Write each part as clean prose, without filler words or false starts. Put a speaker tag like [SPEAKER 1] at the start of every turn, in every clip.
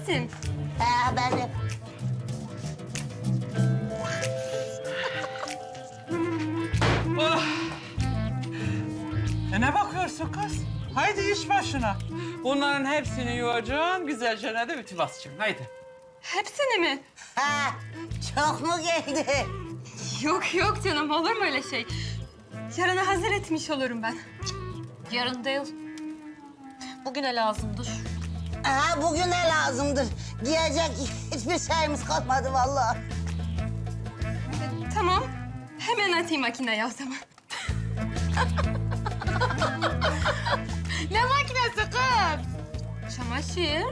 [SPEAKER 1] misin?
[SPEAKER 2] Ben de.
[SPEAKER 3] Ne bakıyorsun kız? Haydi iş başına. Bunların hepsini yuvacaksın, güzelce de ütü basacaksın. Haydi.
[SPEAKER 1] Hepsini mi?
[SPEAKER 2] Ha, çok mu geldi?
[SPEAKER 1] Yok yok canım, olur mu öyle şey? Yarına hazır etmiş olurum ben.
[SPEAKER 4] Yarın değil. Bugüne lazımdır.
[SPEAKER 2] Ha, bugüne lazımdır. Giyecek hiçbir şeyimiz kalmadı vallahi.
[SPEAKER 1] Tamam, hemen atayım makineye o zaman.
[SPEAKER 4] Ne makinesi kız?
[SPEAKER 1] Çamaşır.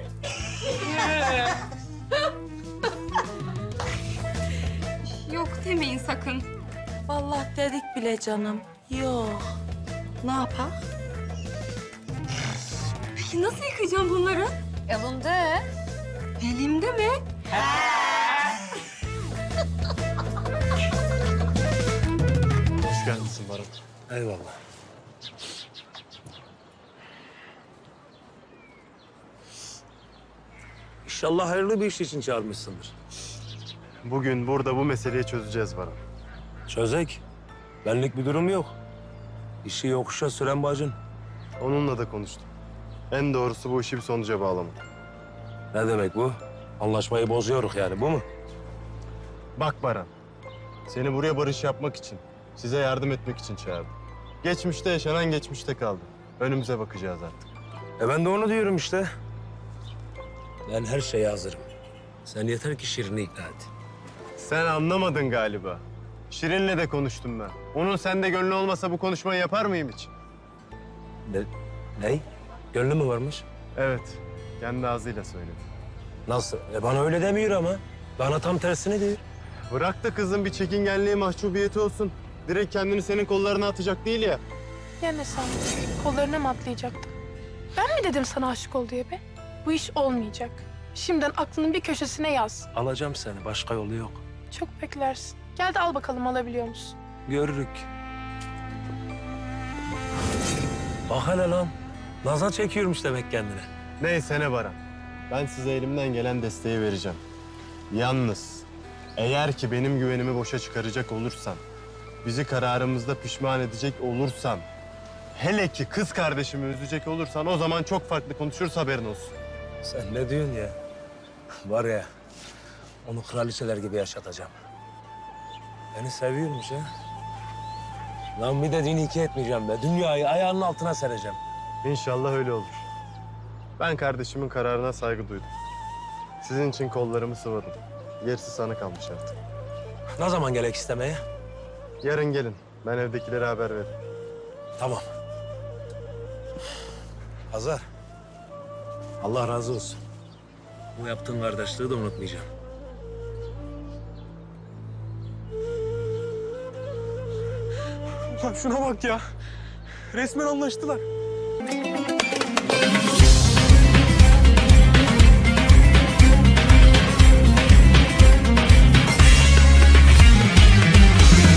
[SPEAKER 1] Yok demeyin sakın.
[SPEAKER 5] Vallahi dedik bile canım. Yok. Ne yapak?
[SPEAKER 1] Peki nasıl yıkayacağım bunları?
[SPEAKER 4] Elinde.
[SPEAKER 1] Elimde mi?
[SPEAKER 6] Hoş geldin Baran.
[SPEAKER 7] Eyvallah. İnşallah hayırlı bir iş için çağırmışsındır.
[SPEAKER 6] Bugün burada bu meseleyi çözeceğiz Baran.
[SPEAKER 7] Çözek. Benlik bir durum yok. İşi yokuşa süren bacın.
[SPEAKER 6] Onunla da konuştum. En doğrusu bu işi bir sonuca bağlamak.
[SPEAKER 7] Ne demek bu? Anlaşmayı bozuyoruz yani, bu mu?
[SPEAKER 6] Bak Baran, seni buraya barış yapmak için, size yardım etmek için çağırdım. Geçmişte yaşanan geçmişte kaldı. Önümüze bakacağız artık.
[SPEAKER 7] Ben de onu diyorum işte. Ben her şeye hazırım. Sen yeter ki Şirin'i ikna et.
[SPEAKER 6] Sen anlamadın galiba. Şirin'le de konuştum ben. Onun sende gönlü olmasa bu konuşmayı yapar mıyım hiç?
[SPEAKER 7] Ne? Gönlü mü varmış?
[SPEAKER 6] Evet, kendi ağzıyla söyledi.
[SPEAKER 7] Nasıl? Bana öyle demiyor ama. Bana tam tersini diyor.
[SPEAKER 6] Bırak da kızın bir çekingenliği, mahcubiyeti olsun. Direkt kendini senin kollarına atacak değil ya.
[SPEAKER 8] Ya ne sandın? Kollarına mı atlayacaktım? Ben mi dedim sana aşık ol diye be? Bu iş olmayacak. Şimdiden aklının bir köşesine yaz.
[SPEAKER 7] Alacağım seni, başka yolu yok.
[SPEAKER 8] Çok beklersin. Gel de al bakalım alabiliyor musun?
[SPEAKER 7] Görürük. Bak hele lan. Nazar çekiyormuş demek kendine.
[SPEAKER 6] Neyse ne Baran. Ben size elimden gelen desteği vereceğim. Yalnız eğer ki benim güvenimi boşa çıkaracak olursan, bizi kararımızda pişman edecek olursan, hele ki kız kardeşimi üzecek olursan o zaman çok farklı konuşuruz, haberin olsun.
[SPEAKER 7] Sen ne diyorsun ya? Var ya, onu kraliçeler gibi yaşatacağım. Beni seviyormuş ha. Lan bir dediğini iki etmeyeceğim be. Dünyayı ayağının altına sereceğim.
[SPEAKER 6] İnşallah öyle olur. Ben kardeşimin kararına saygı duydum. Sizin için kollarımı sıvadım. Gerisi sana kalmış artık.
[SPEAKER 7] Ne zaman gerek istemeye?
[SPEAKER 6] Yarın gelin. Ben evdekilere haber veririm.
[SPEAKER 7] Tamam. Hazar. Allah razı olsun. Bu yaptığın kardeşliği de unutmayacağım.
[SPEAKER 9] Lan şuna bak ya. Resmen anlaştılar.